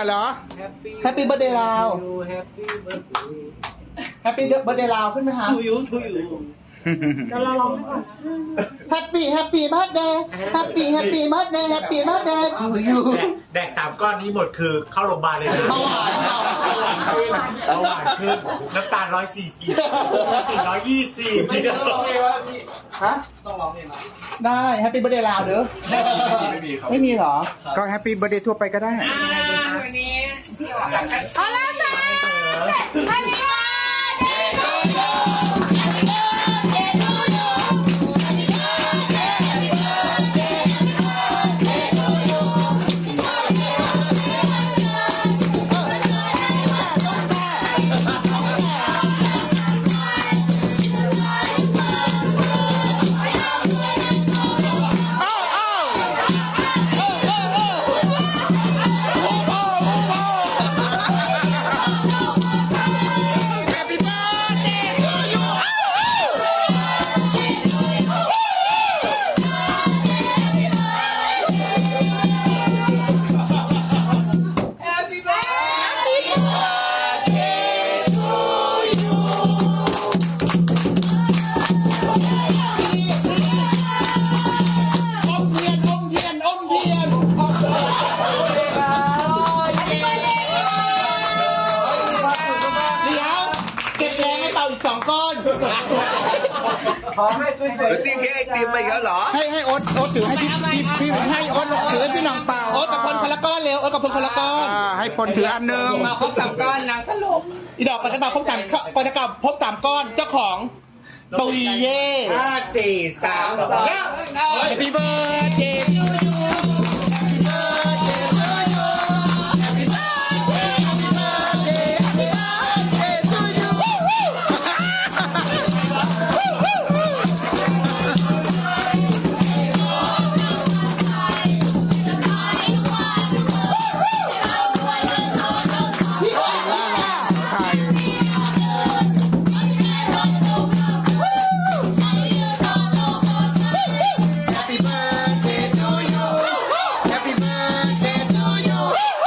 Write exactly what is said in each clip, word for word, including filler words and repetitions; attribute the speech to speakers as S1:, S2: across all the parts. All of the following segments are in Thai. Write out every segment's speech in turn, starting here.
S1: เหรอ
S2: แฮปปี้เบิร์ดเดย์ลาว
S3: แฮปปี้เบิร์ดเดย์
S2: แฮปปี้เบิร์ดเดย์ลาวขึ้นไหมคะ
S3: ทูยูทูยู
S4: เดี๋ยวเราลองให้ก่อน
S2: แฮปปี้แฮปปี้เบิร์ดเดย์แฮปปี้แฮปปี้เบิร์ดเดย์แฮปปี้เบิร์ดเดย์ทูยู
S3: แดกสามก้อนนี้หมดคือเข้าโรงพยาบาลเลยนะ
S2: เบาหวานเบาหวาน
S3: เบาหวานขึ้นน้ำตาลร้อยสี่สิบสี่ร้อยยี่สิบ
S5: ไม่ต้องร้องเพลงวะพี่
S2: ฮะ
S5: ต้องร้องเพลงนะ
S2: ได้แฮปปี้เบิร์ดเดย์ลาวเด้อ
S5: ไม่มีครับ
S2: ไม่มีเหรอ
S1: ก็แฮปปี้เบิร์ดเดย์ทั่วไปก็ได้
S4: วันนี้เอาละค่ะ Happy birthday to you Happy birthday to you Happy birthday Happy birthday Happy birthday to you
S3: ขอให้ช่วยๆ
S5: ซีเค้กไอติมไปแล้วเหรอ
S1: ให้ให้โอ๊ตโอ๊ตถือให้พี่พี่พี่ให้โอ๊ตถือให้พี่หน้องเปล่า
S2: โอ๊ตกับพลคนละก้อนเร็วโอ๊ตกับพลคนละก้อน
S1: อ่าให้พลถืออันหนึ่ง
S6: มาครบสามก้อนนะสรุป
S2: อีดอกปัจจุบันพบสามปัจจุบันพบสามก้อนเจ้าของปุยเย่
S3: ห้าสี่สามสอง
S1: Happy birthday to you Happy birthday to you Happy birthday Happy birthday Happy birthday to you
S2: พี่อ้อยล่ะ
S1: ไทย Happy birthday to you Happy birthday to you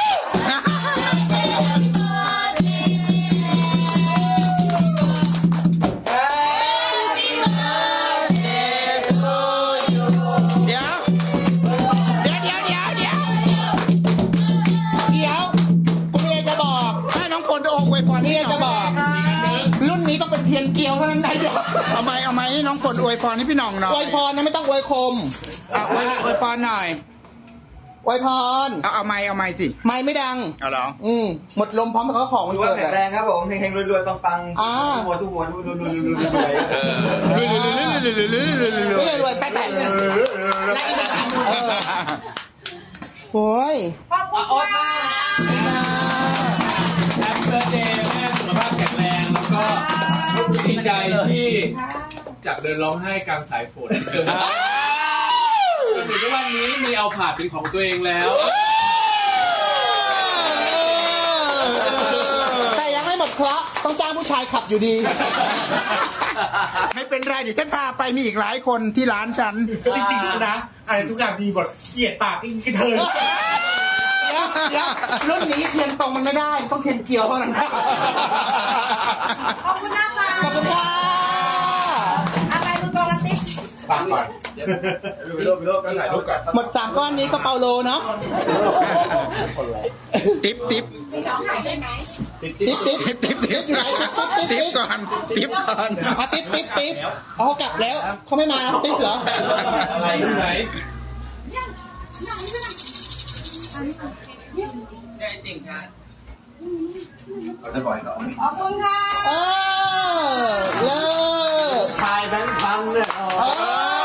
S1: เดี๋ยวเดี๋ยวเดี๋ยวเดี๋ยวเดี๋ยว
S2: เดี๋ยวกูมีอะไรจะบอก
S1: ให้น้องพลโอ้อวยพร
S2: มี
S1: ให้
S2: อะไร
S1: หน่
S2: จะ
S1: อย
S2: บอก รุ่นนี้ต้องเป็นเทียนเกลียวเท่านั้นได้เดียว
S1: เอาไหมเอาไหมให้น้องพลอวยพรให้พี่หน้องหน่อ
S2: อวย ยพรนะไม่ต้องอวยคม
S1: เอาอวยอวยพรหน่อย
S2: อวยพร
S1: เอาเอาไหมเอาไหมสิ
S2: ไม่ไม่ดัง
S1: เอาเหรอ
S2: อืมหมดลมพร้อมกับเขาของมัน
S3: ดูว่า
S2: เกิด
S3: แข็ง
S2: อะ
S3: แรงครับผมเฮงๆรวยๆปังๆ
S2: อ่า
S3: ทุกหัวทุกหัวทุกหัวทุกหัวทุกหัวทุกหัว
S2: ไม่เลยรวยแป๊ะแป๊ะเออโอ้ย
S4: ขอบคุณ
S6: โอ๊ต
S4: ค่ะ
S6: มาแฮปปี้เบิร์ดเดย์แม่สุขภาพแข็งแรงแล้วก็ดีใจที่จากเดินร้องไห้กลางสายฝนจนจนถึงทุกวันนี้มีเอาผาดเป็นของตัวเองแล้ว
S2: แต่ยังไม่หมดเคราะห์ต้องจ้างผู้ชายขับอยู่ดี
S1: ไม่เป็นไรเดี๋ยวฉันพาไปมีอีกหลายคนที่ร้านฉัน
S3: จริงๆนะอะไรทุกอย่างมีบทเกลียดปากจริงๆเธอ
S2: เดี๋ยวเดี๋ยวรุ่นนี้เทียนตรงมันไม่ได้ ต้องเทียนเกลียวเท่านั้น
S4: ขอบคุณนะคะ
S2: ขอบคุณค่ะ
S4: อะไรมึงกอลติส
S3: ฟังก่อนรูปรูปรูปกันไหนรูปก่อน
S2: หมดสามก้อนนี้ก็เปาโลเนาะ
S1: ติ๊บติ๊บ
S2: ติ๊บติ๊บ
S1: ติ๊บติ๊บติ๊บ
S2: อยู่ไหนติ๊บติ๊บ
S1: ติ๊บก่อนติ๊บก่อน
S2: อ่ะติ๊บติ๊บติ๊บอ๋อกลับแล้วเขาไม่มาติ๊บเหรอ
S6: อะไรอยู่ไหนได้จริงค่ะ
S4: ขอบคุณค่ะ
S2: เออเลิศ
S3: ชายแบงค์พันเนี่ย
S2: เออ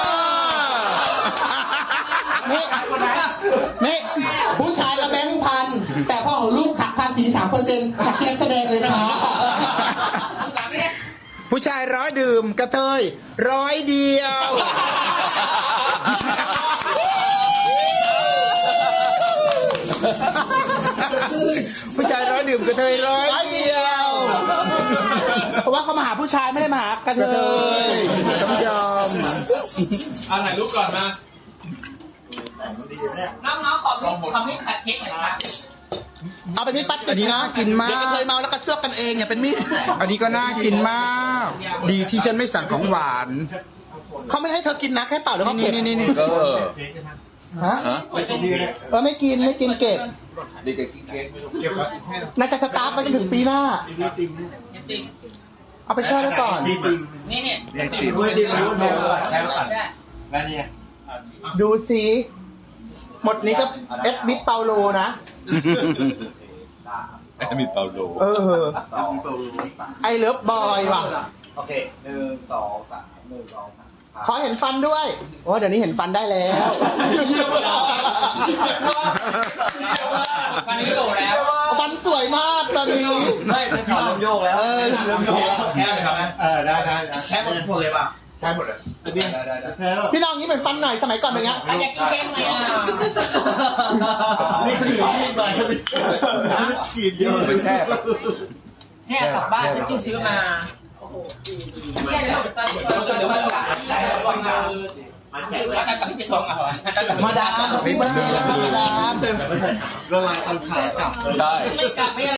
S2: นี่นี่ผู้ชายละแบงค์พัน แต่พ่อของลูกขักพันสี่สามเปอร์เซ็นต์นักแสดงเลยนะคะ
S1: ผู้ชายร้อยดื่มกระเทยร้อยเดียว ผู้ชายร้อยดื่มกระเทยร้อย
S2: ร้อยเดียว เพราะว่าเขามาหาผู้ชายไม่ได้มาหากระเทย
S1: ต้องยอม
S6: เอาถ่ายรูปก่อนมา น้องๆขอพี่ขอพี่ขัดเค้กหน่อยครับ
S2: เอาไปมีดปัด
S1: อันนี้น่ากินมาก
S2: เด็กก็เคยเมาแล้วก็เชือกกันเองอย่าเป็นมีด
S1: อันนี้ก็น่ากินมาก ดีที่ฉันไม่สั่งของหวาน
S2: เขาไม่ให้เธอกินนะแค่เป่าแล้วก็
S1: นี่
S2: เก็บ
S1: นี่นี่นี่
S5: เออ
S2: ฮะเออไม่กินไม่กินเก็บ
S5: เด็กๆกินเค้ก
S2: น่าจะสตาร์ทไปจนถึงปีหน้า เอาไปแช่ไว้ก่อน
S4: นี่เนี่ย
S5: เด็กติด
S3: แล้วเนี่ย
S2: ดูสิหมดนี้ก็เอสบิทเปาโลนะ
S5: มีเปาโล
S2: เออ ไอเลิฟบอยว่ะ
S3: โอเคหนึ่งสองสามหนึ่งสองสาม
S2: ขอเห็นฟันด้วย โอ้เดี๋ยวนี้เห็นฟันได้แล้ว
S6: ฟันนี้โตแล้ว
S2: ฟันสวยมากตอนนี้
S5: ไม่เป็นขาเริ่มโยกแล้ว
S2: เออ
S3: เริ่มโยกแล้วแค่เลยครับเออได้ได้แค่หมดหมดเลยป่ะแค่หมดเลยได้ได้ได้เธอ
S2: พี่น้องนี้เป็นฟันไหนสมัยก่อนเป็นไง
S4: อยากกินเค้กไหมอ่ะ
S3: นี่คือที่มาฉีดเยอะ
S5: ไปแช่
S4: เนี่ยกลับบ้านจะซื้อมาแค่นี้ตอนตอนตอนหลังแล้วกันกับพี่ไปส่งอ่ะเหรอ
S2: มาดามพี่เบิร์ดเดย์มาดาม
S3: เวลาตอนขากลับ
S5: ใช่
S4: ไม่กลับไม่